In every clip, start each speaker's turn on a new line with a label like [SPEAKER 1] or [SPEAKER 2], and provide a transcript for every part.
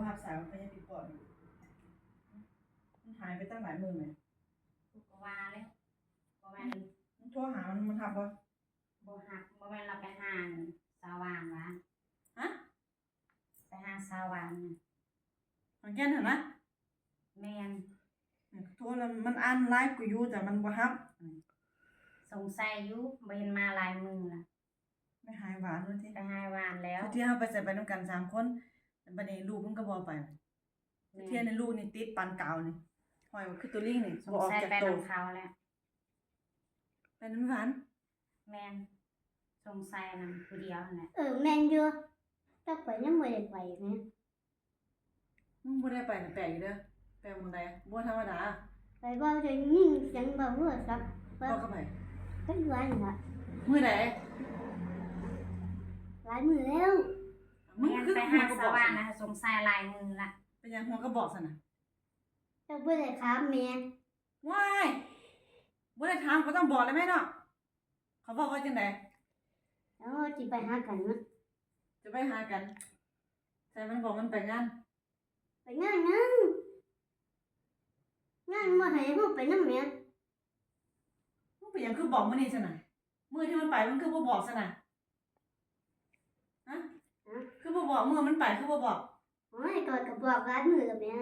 [SPEAKER 1] บ่รับสายมันก็ยังติดต่ออยู่มันหายไปตั้งหลายมื้อแหม
[SPEAKER 2] กูก็ว่าแล้วบ่แม่น
[SPEAKER 1] มันโทรหามันรับบ่
[SPEAKER 2] บ่ฮักบ่แม่นเราไปหาสาวานวะ
[SPEAKER 1] ฮะ
[SPEAKER 2] ไปหาสาวาน
[SPEAKER 1] มันแค่นั้นนะ
[SPEAKER 2] แม่น
[SPEAKER 1] โทรแล้วมันอ่านไลน์กูอยู่แต่มันบ่รับ
[SPEAKER 2] สงสัยอยู่บ่เห็นมาหลายมื้อล่ะ
[SPEAKER 1] ไม่หายหวานว่าติ
[SPEAKER 2] ไปหาหวานแล้ว
[SPEAKER 1] ที่เฮาไปใส่ไปนำกัน3คนแต่บัดนี้ลูกมันก็บ่ไปเที่ยในลูกนี่ติดปานกาวนี่ห้อยว่าคือตัวลิงนี่
[SPEAKER 2] บ่ออกจากโตเขาแล้ว
[SPEAKER 1] ไปนำหวาน
[SPEAKER 2] แม่นสงสัยนำผู้เดียวนั่นแหละ
[SPEAKER 3] แม่นอยู่แต่ข่อยยังบ่ได้ไปแหม
[SPEAKER 1] มึงบ่ได้ไปน่ะแปลกอยู่เด้อแปลกหม้องใดบ่ธรรมดา
[SPEAKER 3] ไปบ่ได้ยินเสียงบ่ฮู้ซัก
[SPEAKER 1] บ่เข้าไป
[SPEAKER 3] ไปอยู่อันน่ะ
[SPEAKER 1] มื้อใด
[SPEAKER 3] หลายมื้อแล้ว
[SPEAKER 2] แม่นไปหาสาวานนะสงสัยหลายมื้อละ
[SPEAKER 1] เป็นหยังหัวก็บอกซั่นน่ะ
[SPEAKER 3] แต่บ่ได้ถามแม่
[SPEAKER 1] ว้ายบ่ได้ถามก็ต้องบอกเลยแม่เนาะเขาบอกว่าจังได๋
[SPEAKER 3] แล้วสิไปหากันนะ
[SPEAKER 1] จะไปหากันแต่มันบอกมันไปงาน
[SPEAKER 3] ไปงานบ่ให้เฮาไปนำแม่
[SPEAKER 1] มึงไปหยังคือบอกมื้อนี้ซั่นน่ะมื้อที่มันไปมันคือบ่บอกซั่นน่ะฮะคือบ่บอกมื้อมันไปคือบ่บอก
[SPEAKER 3] โอ้ยก็บอกหลายมื้อแล้วแม่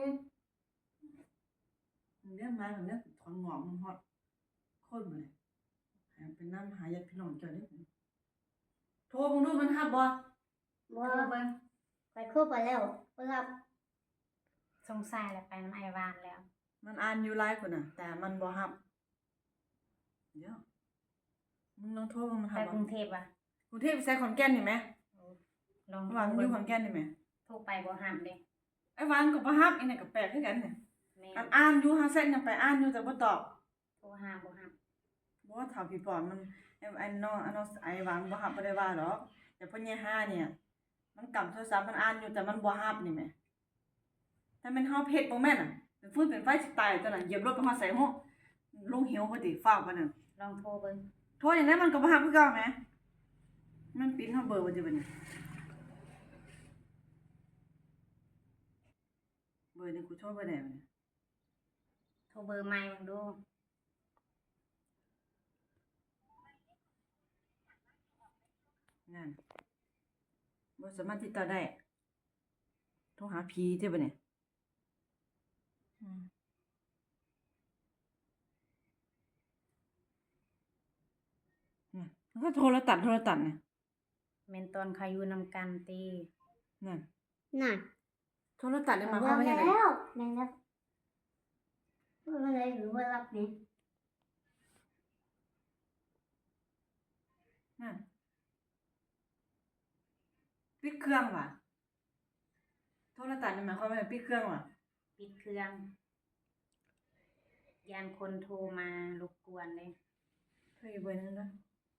[SPEAKER 1] เรื่องมาเรื่องถอนงอกมันฮอดโคตรบ่เลยหาไปนำหาญาติพี่น้องเจ้าเด้อโทรเบิ่งดูมันรับบ่
[SPEAKER 3] บ่
[SPEAKER 2] เบิ่ง
[SPEAKER 3] ไปครบไปแล้วบ่รับ
[SPEAKER 2] สงสัยแล้วไปนำไอ้วานแล้ว
[SPEAKER 1] มันอ่านอยู่ไลน์พุ่นน่ะแต่มันบ่รับเดี๋ยวมึงลองโทรเบิ่งมัน
[SPEAKER 2] ไป
[SPEAKER 1] รับบ่
[SPEAKER 2] กรุงเทพอ่ะ
[SPEAKER 1] กรุงเทพไปใส่ขอนแก่นนี่แหม
[SPEAKER 2] ลอง
[SPEAKER 1] ว่ามันอยู่ขอนแก่นนี่แหม
[SPEAKER 2] โทรไปบ่รับเด้
[SPEAKER 1] ไอ้วานก็บ่รับอีนั่นก็แปลกคือกันน่ะ
[SPEAKER 2] แม่
[SPEAKER 1] อ่านอยู่หาเส้นยังไปอ่านอยู่แต่บ่ตอบ
[SPEAKER 2] โทรหาบ่รับ
[SPEAKER 1] บ่เฒ่าพี่ปอนมันไอ้น้องไอ้หวังบ่รับบ่ได้ว่าดอกแต่พ่อใหญ่ห้าเนี่ยมันกำโทรศัพท์มันอ่านอยู่แต่มันบ่รับนี่แหมถ้ามันเฮาเพชรบ่แม่นน่ะเป็นฟืนเป็นไฟสิตายตอนนั้นเหยียบรถไปฮอดไสโฮลงเหวพอดีฟ้าวปานนั้น
[SPEAKER 2] ลองโทรเบิ่ง
[SPEAKER 1] โทรอย่างนั้นมันก็บ่รับคือเก่าแหมมันปิดเฮาเบอร์ว่าจะบัดนี้เบอร์นี่กูโทรบ่ได้บัดนี้
[SPEAKER 2] โทรเบอร์ใหม่เบิ่งดู
[SPEAKER 1] นั่นบ่สามารถติดต่อได้โทรหาผีเด้อบัดนี้มันก็โทรตัดน่ะ
[SPEAKER 2] แม่นตอนเขาอยู่นำกันติ
[SPEAKER 1] นั่นโทรตัดนี่หมายค
[SPEAKER 3] ว
[SPEAKER 1] ามว่าจังได๋
[SPEAKER 3] แล้วแม่นแล้วบ่ได้หรือว่ารับนี่
[SPEAKER 1] นั่นปิดเครื่องว่ะโทรตัดนี่หมายความว่าปิดเครื่องว่ะ
[SPEAKER 2] ปิดเครื่องยานคนโทรมารบกวนเลย
[SPEAKER 1] เธออยู่เบอร์นึงนะ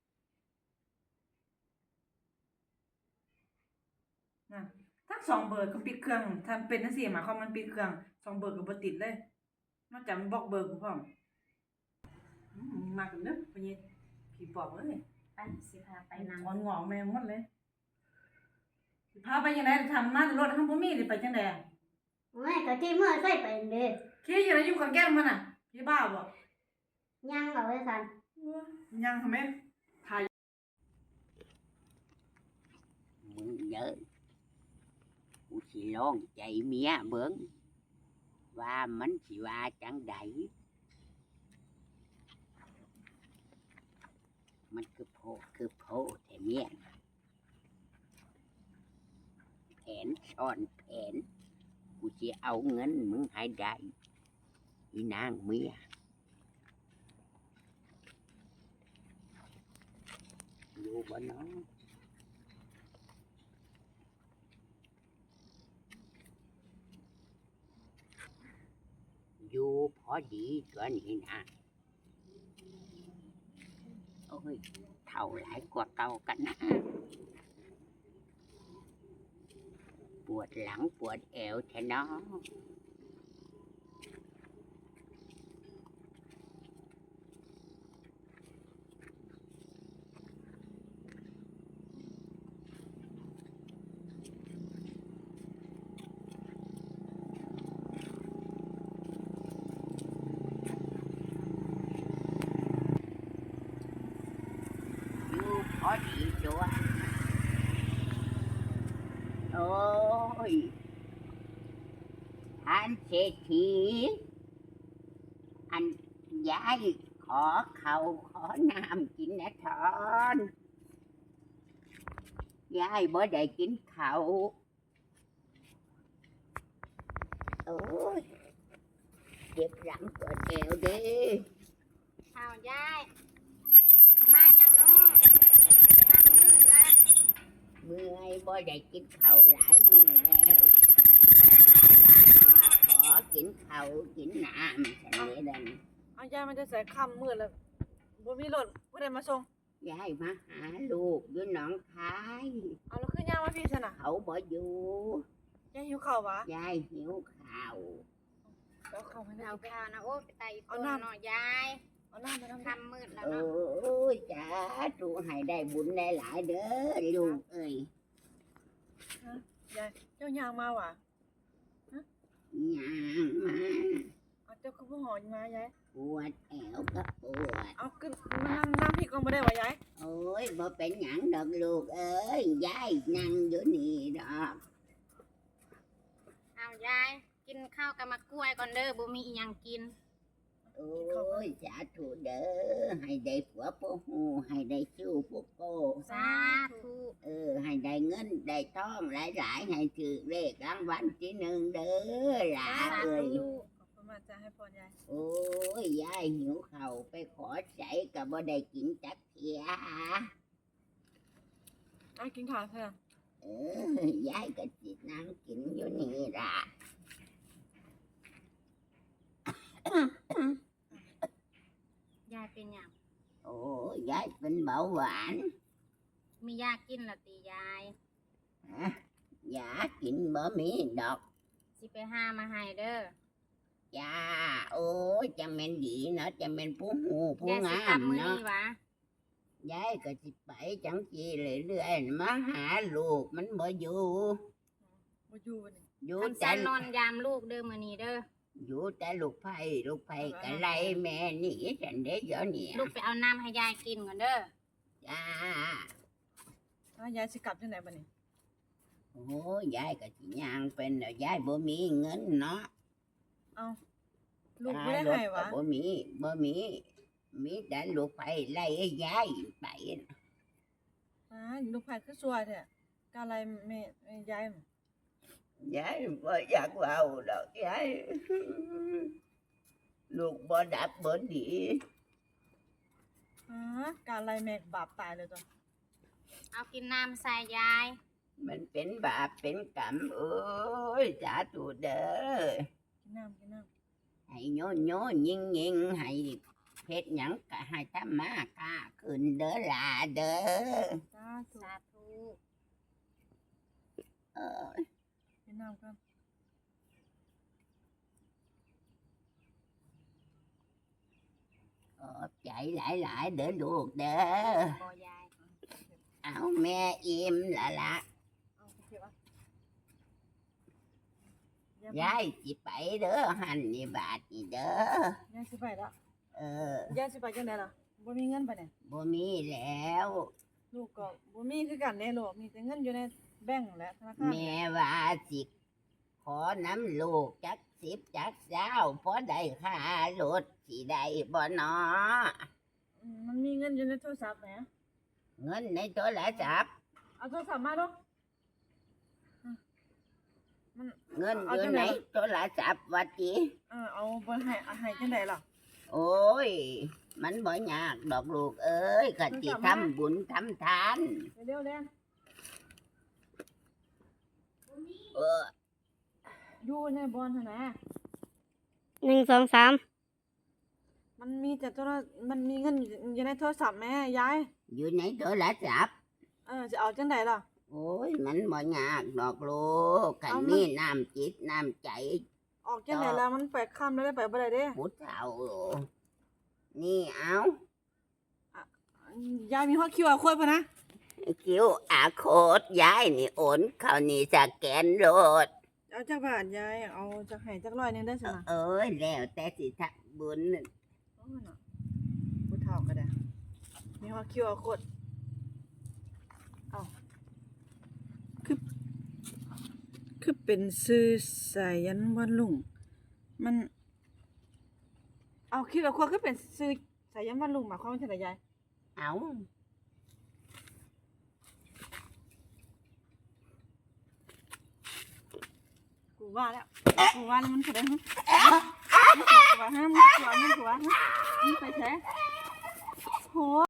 [SPEAKER 1] นั่นทั้ง2เบอร์ก็ปิดเครื่องถ้าเป็นจังซี่หมายความมันปิดเครื่อง2เบอร์ก็บ่ติดเลยนอกจากมันบล็อกเบอร์กูพร้อมมากันเด้อพ่อใหญ่ผีปอบเอ้ย
[SPEAKER 2] ไปสิพาไปนำ
[SPEAKER 1] ถอนงอกแม่งหมดเลยสิพาไปจังได๋ทำมารถเฮาบ่มีสิไปจังได๋
[SPEAKER 3] โอ้ยก็ที่เมื่อใส่ไปเด้
[SPEAKER 1] ขี่อยู่ไหนอยู่ขอนแก่นมันน่ะพี่บ้าบ่
[SPEAKER 3] ยังเอาไว้ซั่น
[SPEAKER 1] ยังทำไมถ่าย
[SPEAKER 4] มึงเยอะกูสิลองใจเมียเบิ่งว่ามันสิว่าจังไดมันคือโพแต่เมียแผนซ่อนแผนกูสิเอาเงินมึงให้ได้อีนางเมียอยู่บ่เนาะอยู่พอดีตัวนี้นะโอ้ยเท่าหลายกว่าเก่ากันนะปวดหลังปวดเอวแท้เนาะยท่านเศรษฐีอันยายขอเขาขอน้ำกินนะทอนยายบ่ได้กินเขาวโอ้ยเจ็บหลังปวดเอวเด้
[SPEAKER 2] ข้าวยายมาอย่างน้อทำมืดละ
[SPEAKER 4] เมื่อยบ่ได้กินข้าวหลายมื้อแล้วขอกินข้าวกินน้ำฉันนี่เดิน
[SPEAKER 1] เอายายมันจะใส่ค่ำมืดแล้วบ่มีรถผู้ใดมาส่ง
[SPEAKER 4] ยายมาหาลูกอยู่หนองคาย
[SPEAKER 1] เอาแล้วคือยายมาพี่ซะน่ะ
[SPEAKER 4] เขาบ่อยู่
[SPEAKER 1] ยายหิวข้าววะ
[SPEAKER 4] ยายหิวข้าว
[SPEAKER 1] เอาข้าวให้
[SPEAKER 2] เอา
[SPEAKER 1] เอา
[SPEAKER 2] ข้าวนะโอ้ไปไต่ต้นหน่อยยาย
[SPEAKER 1] เอาน้ำไปน้ำ
[SPEAKER 2] ทำมืดแล้ว
[SPEAKER 4] โอ้
[SPEAKER 2] เนาะ
[SPEAKER 4] ยจ้าตูให้ได้บุญได้หลายเด้อลูกเอ้ย
[SPEAKER 1] ยายเจ้ายางมาว่ะ
[SPEAKER 4] ย่างมา
[SPEAKER 1] เอาเจ้าคือบ่หอยมายาย
[SPEAKER 4] ปวดแอวก็ปวด
[SPEAKER 1] เอาขึ้นมานั่งพี่ก่อนบ่ได้ว่ะยาย
[SPEAKER 4] โอ้ยบ่เป็นหยังดอกลูกเอ้ยยายนั่งอยู่นี่ดอก
[SPEAKER 2] เอายายกินข้าวกับมะกล้วยก่อนเด้อบ่มีอีหยังกิน
[SPEAKER 4] โอ้ยสาธุเด้อให้ได้ผัวผู้หูให้ได้ชู้ผู้โก
[SPEAKER 2] สาธุ
[SPEAKER 4] ให้ได้เงินได้ทองหลายๆให้ถือเลขรางวัลที่หนึ่งเด้อหลา
[SPEAKER 2] สา
[SPEAKER 4] เอ้ย
[SPEAKER 2] ธุ
[SPEAKER 1] ขอบคุณมากจ้าให้พรยาย
[SPEAKER 4] โอ้ยยายหิวข้าวไปขอใส่ก็บ่ได้กินจักเทีย
[SPEAKER 1] เอากินข้าวเถอะ
[SPEAKER 4] ยายก็สินั่งกินอยู่นี่ล่ะ
[SPEAKER 2] ยายเป็นหยัง
[SPEAKER 4] โอ้ยยายเป็นเบาหวาน
[SPEAKER 2] มียากินละติยาย
[SPEAKER 4] ยากินบ่มีดอก
[SPEAKER 2] สิไปหามาให้เด้อย
[SPEAKER 4] าโอ้ยจะแม่นดีเนาะจะแม่นผู้หูผู้
[SPEAKER 2] ยายสิ
[SPEAKER 4] งาก
[SPEAKER 2] ลับ
[SPEAKER 4] ม
[SPEAKER 2] มื้อ
[SPEAKER 4] เนาะ
[SPEAKER 2] นี้หวะ
[SPEAKER 4] ยายก็สิไปจังซี่เรื่อยๆมาหาลูกมันบ่อยู่
[SPEAKER 1] บ่อยู่นี่
[SPEAKER 4] อยู่
[SPEAKER 2] คัน
[SPEAKER 4] แต่
[SPEAKER 2] สันนอนยามลูกเด้อมื้อนี้เด้อ
[SPEAKER 4] อยู่แต่ลูกไผ่ก็ไล่แม่หนี่ฉันได้เดี๋ยวนี้
[SPEAKER 2] ลูกไปเอาน้ำให้ยายกินก่อนเด้อ
[SPEAKER 4] จ้า
[SPEAKER 1] แล้วยายสิกลับจังไดบัดนี้
[SPEAKER 4] โอ้ยยายก็สิย่างเป็นแล้วยายบ่มีเงินเนาะ
[SPEAKER 1] เอาลูกบ่ได้
[SPEAKER 4] รถ
[SPEAKER 1] ให้
[SPEAKER 4] ก็
[SPEAKER 1] วะ
[SPEAKER 4] บ่มีแต่ลูกไผ่ไล่ให้ยายไป
[SPEAKER 1] ลูกไผคือซัวแท้กะไรแม่ยาย
[SPEAKER 4] ยายบ่อยากเว้าดอกยายลูกบ่ดับบ่ดี
[SPEAKER 1] กะไรแม่บาปตายเลยตัว
[SPEAKER 2] เอากินน้ำใส่ยาย
[SPEAKER 4] มันเป็นบาปเป็นกรรมเอ้ยสาธุเด้อ
[SPEAKER 1] กินน้ำ
[SPEAKER 4] ให้โยนยิงให้เฮ็ดหยังก็ให้ทำมาค้าขึ้นเด้อล่ะเด้อ
[SPEAKER 1] สาธุ
[SPEAKER 2] สาธุ
[SPEAKER 4] เอ้ย
[SPEAKER 1] กินน้ำกัน
[SPEAKER 4] ขอบใจหลายๆเด้อลูกเด้อ
[SPEAKER 2] บ่ยาย
[SPEAKER 4] เอาแม่อิ่มละละ
[SPEAKER 1] เอาเก็บอ่ะ
[SPEAKER 4] ยายสิไปเด้อหันนี่บาทนี่เด้อย
[SPEAKER 1] ายสิไปแล้ว
[SPEAKER 4] เออย
[SPEAKER 1] ายสิไปจังไดล่ะบ่มีเงินไปเนี่ย
[SPEAKER 4] บ่มีแล้ว
[SPEAKER 1] ลูกก็บ่มีคือกันเด้ลูกมีแต่เงินอยู่ในแบงก์และธนาคาร
[SPEAKER 4] แม่ว่าสิขอน้ำลูกจัก10จัก20พอได้ค่ารถสิได้บ่เนาะ
[SPEAKER 1] มันมีเงินอยู่ในโทรศัพท์แหม
[SPEAKER 4] เงินในโทรศัพท์
[SPEAKER 1] เอาโทรศัพท์มาดูมัน
[SPEAKER 4] เงิน
[SPEAKER 1] เอา
[SPEAKER 4] อยู่
[SPEAKER 1] จังไห
[SPEAKER 4] ใน
[SPEAKER 1] น
[SPEAKER 4] โทรศัพท์ว่าติ
[SPEAKER 1] เอาบ่ให้จังไดล่ะ
[SPEAKER 4] โอ้ย มันบ่ยากดอกลูกเอ้ยก็สิทำบุญทำทาน
[SPEAKER 1] เร็วๆเด้
[SPEAKER 4] เออ
[SPEAKER 1] อยู่ในบอนหั่นนะ
[SPEAKER 3] 1 2 3
[SPEAKER 1] มันมีแต่มันมีเงินอยู่ในโทรศัพท์แม่ยาย
[SPEAKER 4] อยู่ในโทรศัพท์
[SPEAKER 1] จะเอาจังไดล่ะ
[SPEAKER 4] โอ้ย มันบ่ยากดอกลูกกัน
[SPEAKER 1] เอามัน
[SPEAKER 4] มีน้ำจิตน้ำใจ
[SPEAKER 1] ออกจังไดแล้วมันไปค่ำแล้วได้ไปบ่ได้เด้
[SPEAKER 4] ผู้เฒ่านี่เอา
[SPEAKER 1] ยายมีฮอดคิวอาโค้ดป่ะนะ
[SPEAKER 4] คิวอาโคดยายนี่โอนเข้านี่สแกนโลด
[SPEAKER 1] เอาจักบาทยายเอาจักให้จักร้อยหนึงได้อสินะ
[SPEAKER 4] เอ้ยแล้วแต่สิทำบุญ
[SPEAKER 1] โอ้ยน่ะผู้เฒ่าก็ได้มีฮอดคิวอาโค้ดเอาคือคือเป็นชื่อสายันวันลุงมันเอาคิดว่าควรคือเป็นชื่อสายันวันลุงหมายความว่าจังไดยาย
[SPEAKER 4] เอา
[SPEAKER 1] กูว่าแล้วมันแสดงฮะมึงกลัวฮะมึงกลัวมึงไปแท้โห